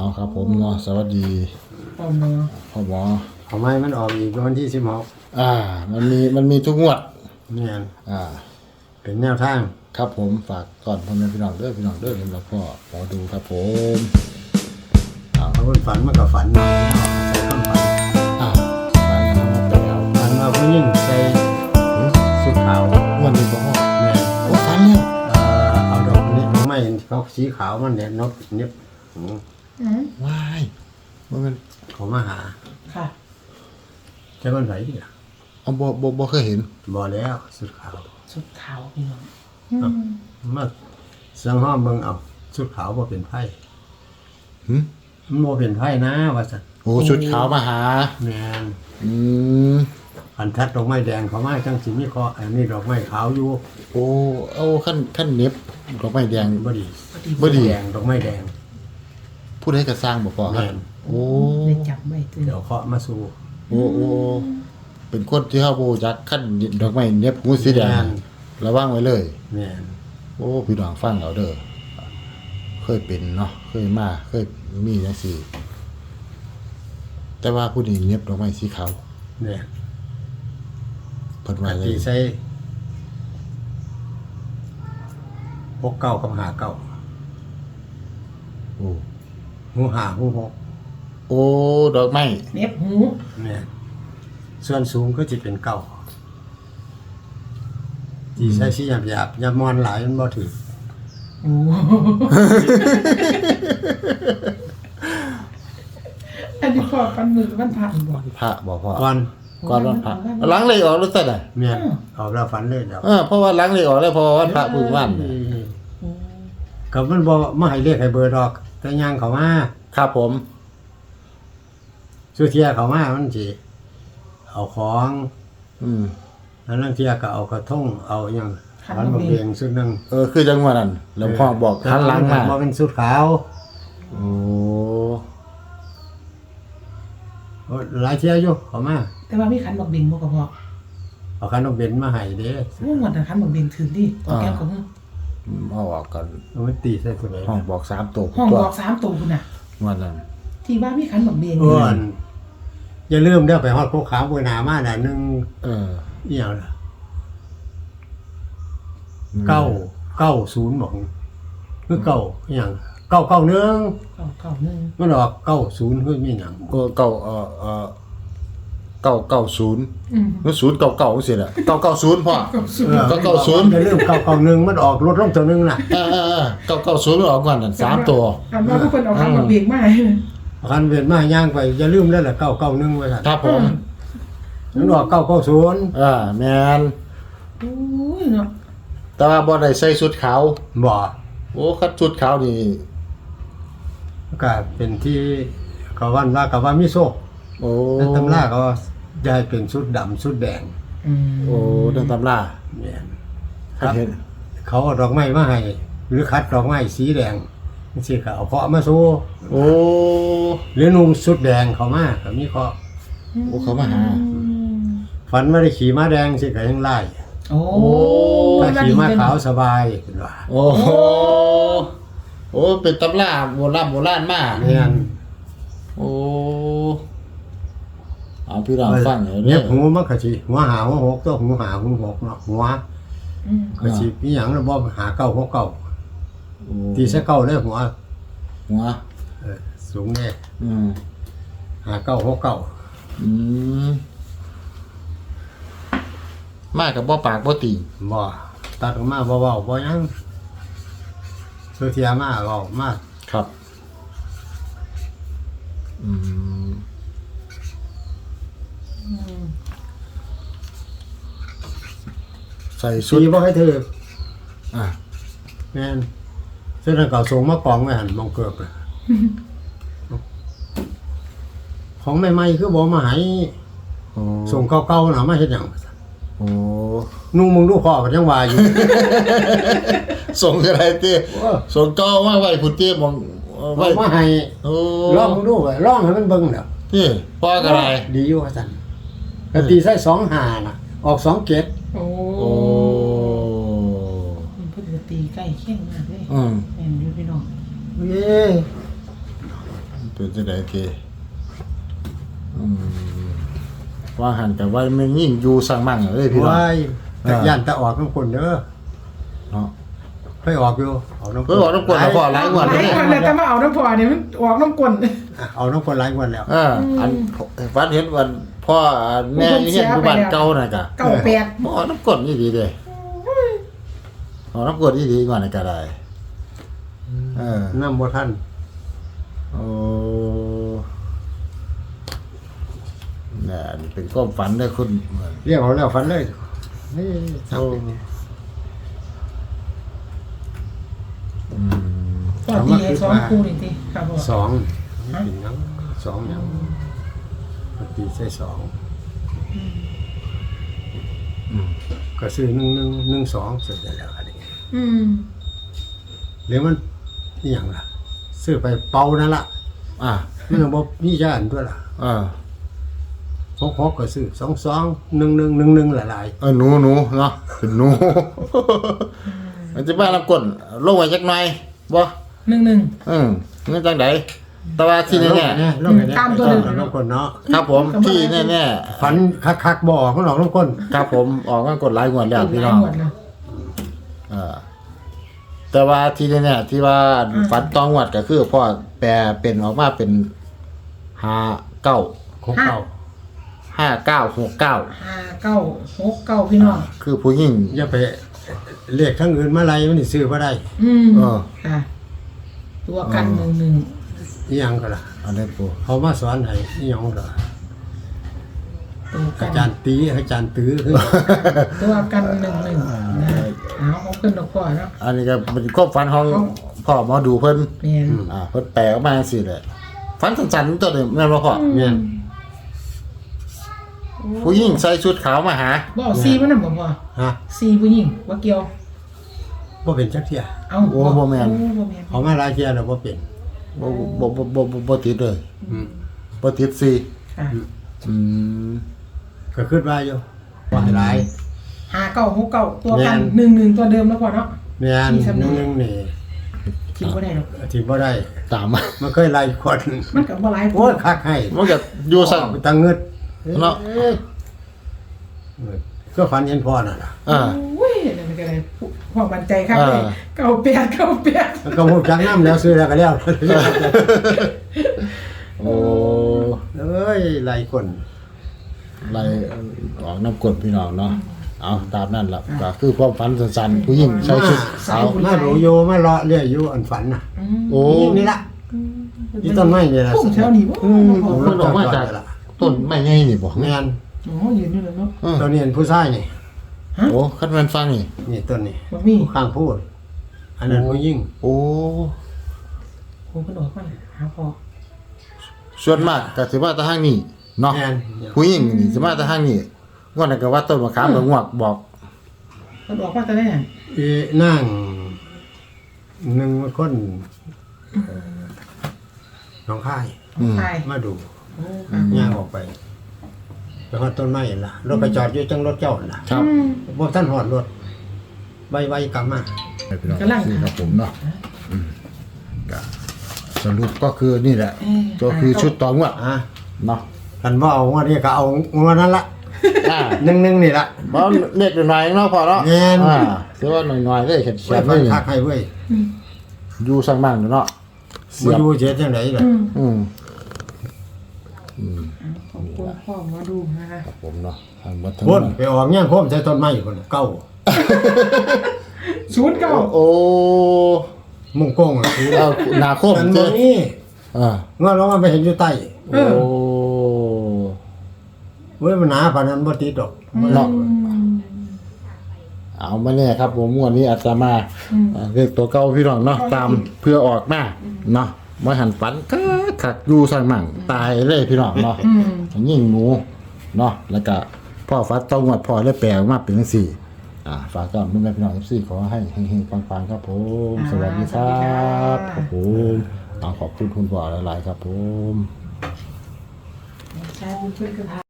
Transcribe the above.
เอาครับผมเนาะสวัสดีพ่อหมอพ่อหมอทำไมมันออกอีกวันที่16 มันมีทุกงวดเนี่ยเป็นแนวทางครับผมฝากก่อนพ่อแม่พี่น้องเด้อสำหรับพ่อหมอดูครับผมเขาเพิ่นฝันมันก็ฝันเนาะใส่คำฝันฝันกันมาไปแล้วฝันว่าผู้หญิงใส่ชุดขาววันนี้พ่อเนี่ยโอ้ฝันแล้วเอาดอกนี้ไม่เขาสีขาวมันเนี่ยนกเนี่ยว้ายมันเขามาหาค่ะจะมันไหนดิเอาบ่เคยเห็นบ่แล้วชุดขาวพี่น้องมาสังห้อมเบิ่งเอาชุดขาวบ่เป็นไผมันบ่เป็นไผนะว่าซั่นโอ้ชุดขาวมาหาแม่นอันทัดดอกไม้แดงเขามาจังสิมีคออันนี้ดอกไม้ขาวอยู่โอ้เอาขั้นเน็บดอกไม้แดงบ่ดีแดงดอกไม้แดงผู้ใดก็สร้างบ่พอครับโอ้ได้จับไว้เดี๋ยวเคาะมาสู่โอ้เป็นคนที่เฮาบ่จักขั้นดอกไม้เน็บหูสีแดงระวังไว้เลยแม่นโอ้พี่น้องฟังเอาเด้อเคยเป็นเนาะเคยมีจังซี่แต่ว่าผู้นี้เน็บดอกไม้สีขาวเนี่ยเพิ่นว่าเลยใส่69กับ59 โอ้หู5หู 6โอ้ดอกไม้เน็บหูเนี่ยส่วนสูงก็จะเป็น9ที่ใช้สีหยาบๆอย่ามอนหลายมันบ่ถือโอ้อันนี้พ่อปันมือมันผ่านบ่พระบ่พ่อก่อนวันพระหลังเลยออกแล้วซั่นน่ะแม่นออกแล้วฝันเลยเดี๋ยวเพราะว่าหลังเลยออกแล้วเพราะว่าวันพระพึ่งวันก็มันบ่มาให้เลขให้เบอร์ดอกแต่ย่างเข้ามาครับผมสุเทียเข้ามามันสิเอาของแล้วนั่งเที่ยก็เอากระทงเอาอย่างขันบะเบียงสุดหนึ่งคือจังหวะนั้นหลวงพ่อบอกขันล้างมาบ่เป็นสุดขาวโอ้หลายเที่ยอยู่เข้ามาแต่ว่ามีขันบักเบงบ่ก็พอเอาขันบักเบงมาให้เด้ว่าหมดขันบักเบงถึงดิตัวแก้มของเอาออกกันมันตีใส่ตัวไหนห้องบอก3ตัวห้องบอก3ตัวพุ่นน่ะว่านั้นที่ว่ามีขันบักเบงอย่าลืมเด้อไปฮอดโคขาวบนหน้ามาน่ะนึงอีหยังล่ะ990บอกคือเก่าอีหยัง991มันออก90คือมีหยัง 990มัน099จังซี่น่ะ990พ่อ990 อย่าลืม991มันออกลดลงตัวนึงน่ะ 990มันออกก่อนนั่น3ตัวอันว่าทุกคนเอาขันบักเบงมาคันเวียนมาย่างไปอย่าลืมแล้วแหละ991ไว้ครับผมมันออก990 แม่นโอ้ยเนาะแต่ว่าบ่ได้ใส่ชุดขาวบ่โอ้คัดชุดขาวนี่ก็เป็นที่เขาว่ามีโชคโอ้ตำราก็จะให้เป็นชุดดำชุดแดงโอ้ดังตำราแม่นครับเขาเอาดอกไม้มาให้หรือคัดดอกไม้สีแดงสิเขาเอาเคาะมาสู้โอ้หรือนุ่งชุดแดงเขามาก็มีเคาะเขามาหาฝันไม่ได้ขี่ม้าแดงสิก็ยังไล่โอ้ถ้าขี่ม้าขาวสบายเป็นว่าโอ้เป็นตำราโบราณมากเนี่ยโอ้เอาพี่น้องฟังเนี่ยหูมันก็สิหัวหาหัวหกตัวหูหาหูหกเนาะหัวก็สิมีหยังแล้วบ่หา9 6 9ตีซะ9เลยหัวสูงแน่หา9 6 9 มากับบ่ปากบ่ตีบ่ตัดออกมาบ่เว้าบ่หยังสุเทียมาเว้ามาครับใส่ชุดบ่ให้ถือแม่นซึ่งเก่าส่งมากองไว้หั่นมองเกือบของใหม่ๆคือบ่มาให้ส่งเก่าๆน่ะมาเฮ็ดหยังนุ่งมึงดูพ่อก็ยังว่าอยู่ส่งอะไรติส่งเก่ามาไว้พุ่นติมองไว้มาให้ลองดูไว้ลองให้มันเบิ่งเด้อติพ่อก็ได้ดีอยู่ว่าซั่นก็ตีใส่25น่ะออก27 โอ้เพิ่นก็ตีใกล้เคียงมากเลยแม่นอยู่พี่น้องเป็นจังได๋ทีว่าหันกับว่ามันยิ่งอยู่สร้างมั่งเอ้ยพี่น้องว้ายแต่ย่านตะออกน้ำคนเด้อเนาะไปออกอยู่เอาน้ำเออออกน้ำกวนแล้วพอหลายงวดหเลลายยคนเลยแต่มาเอาน้ำพอเนี่ยมันออกน้ำกลนเอาน้ำคนหลายงวันแล้วอันฝันเห็นวันพ่อแม่อยู่เฮ็ดอยู่บ้านเก่าน่ะกะเก่าแปดบ่ออกน้ำกวนนี่ดีเด้ออกน้ำกวนนี่ดีกว่าน่ะก็ได้น้ำบ่ทันโอ้น่ะนี่เป็นความฝันเด้อคุณเรียกเอาแล้วฝันเลยนี่ทำปอตีสองคู่นี่ทีครับพ่อสองนี่เป็นหยังสองหยังปกติใช่สองก็ซื้อ1 สุดแล้วอันนี้ หรือมันอหย่างล่ะซื้อไปเป่านั่นล่ะ มันบ่มีจานด้วยล่ะ6ก็ซื้อ22 11 หลายหนูเนาะเป็นหนู มันจะบ้าน้ำกวนลงไว้จักหน่อยบ่ 1 นี่จังไดแต่ว่าๆที่แน่ลงตามตัวนึงน้ำคนเนาะๆครับผมที่แน่ฝันคักๆบ่ออกมันออกน้ำคนๆครับผมออกมากดหลายงวดแล้วพี่น้องหลายหมดนะแต่ว่าที่แน่ๆที่ว่าฝันต้องงวดก็คือพ่อแปลเป็นออกมาเป็น59 ของเก่า 5969 59 69พี่น้องคือผู้หญิงอย่าไปเรียกทั้งอื่นมาไล่มันสิซื้อบ่ได้ค่ะตัวกัน1 อีหยังก็ล่ะอันนี้ปูเขามาสอนให้อีหยังก็ตัวกัอาน จารย์ตื้อคือตัวกัน1 เอาขึ้นดอกพ่อเนาะอันนี้ก็เป็นความฝันของพ่อหมอดูเพิ่นแม่นเพิ่นแปลออกมาจังซี่แหละฝันสั้นๆตัวนึงแม่นบ่พ่อแม่นผู้หญิงใส่ชุดขาวมาหาบ่เอาซีมันน่ะบ่พ่อฮะซีผู้หญิงบ่เกี่ยวบ่เป็นจักเที่ยเอาบ่แม่นบ่แม่นเขามาหลายเที่ยแล้วบ่เป็นบ่ติดเลยบ่ติดสิค่ะก็คิดว่าอยู่ว่าให้หลาย 5969ตัวกันแม่น 11ตัวเดิมแล้วพ่อเนาะแม่นมีสำนึกนึงนี่คิดบ่ได้หรอกที่บ่ได้ตามมามันเคยไล่คนมันก็บ่หลายโอ้ยคักให้มันก็อยู่ซั่นตังเงิดเนาะก็ฝันเห็นพ่อน่ะล่ะอุ้ยนั่นก็ได้พ่อมั่นใจครับเลย98 มันก็ฮู้จักนำแล้วซื้อแล้วก็แล้วโอ้เอ้ยไล่คนไล่ออกน้ำกรดพี่น้องเนาะเอาตามนั่นล่ะก็คือความฝันสั้นๆผู้หญิงใส่ชุดขาวมาดูโยมาเลาะเรื่อยอยู่อันฝันน่ะโอ้นี่ล่ะนี่ต้นไม้นี่ล่ะพุ่งแถวนี้บ่มันออกมาจากต้นไม้ใหญ่นี่บ่แม่นอ๋อยืนอยู่แล้วเนาะตัวนี้เป็นผู้ชายนี่โอ้คันแม่นฟังนี่นี่ต้นนี้บ่มีข้างพูด อันนั้นผู้หญิงโอ้โอ้เพิ่นออกมาหาพ่อส่วนมากก็สิมาแต่ทางนี้เนาะแม่นผู้หญิงนี่สิมาแต่ทางนี้งวดนั้นก็ว่าต้นมะขามกับงวกบอกเพิ่นออกมาแต่ได้หยังอีนั่งหนึ่งคนน้องค่ายใช่มาดูโอ้ค่ะย่างออกไปไปฮอดต้นไม้ล่ะรถไปจอดอยู่จังรถเจ้าล่ะครับบ่ท่านฮอดรถไวๆกลับมาพี่น้องนี่ครับผมเนาะก็สรุปก็คือนี่แหละก็คือชุดต่องวดเนาะคันว่าเอางวดนี้ก็เอางวดนั้นละหนึ่งนี่ละบ่เล็กหน่อยๆเนาะพอเนาะแม่นถือว่าหน่อยๆเลยเข็ดไว้ๆฟัเลนยคักให้เว้ยอยู่สร้างบ้านเนาะเสีบ่ยบอยู่เจ็ดจังไดล่ะอืมขอบคุณพ่อมาดูนะคะผมเนาะทางวัดทั้งพุ่นไปออกแง่งโคมใส่ต้นไม้พุ่นเก่า 09 โอ้มุ่งโก้งล่ะเอานาคมมันเจ้บ่มีอ่างวดลงมาไปเห็นอยู่ใต้โอ้เว้ยมันหนาปานนั้นบ่ติดดอกเนาะเอามาเนี่ยครับผมงวดนี้อาตมาเรียกตัวเก่าพี่น้องเนาะตามเพื่อออกมาเนาะมาหันฝันก็ขักอยู่สร้างมั่งตายเลยพี่น้องเนาะยิ่งหนูเนาะแล้วก็พ่อฟัดต้องงวดพ่อได้แปลออกมาเป็นจังซี่ฝากก่อนแม่พี่น้อง14ขอให้เฮงๆปังๆครับผมสวัสดีครับครับผมต้องขอบคุณคุณพ่อหลายๆครับผมใช่บุญช่วยกันทา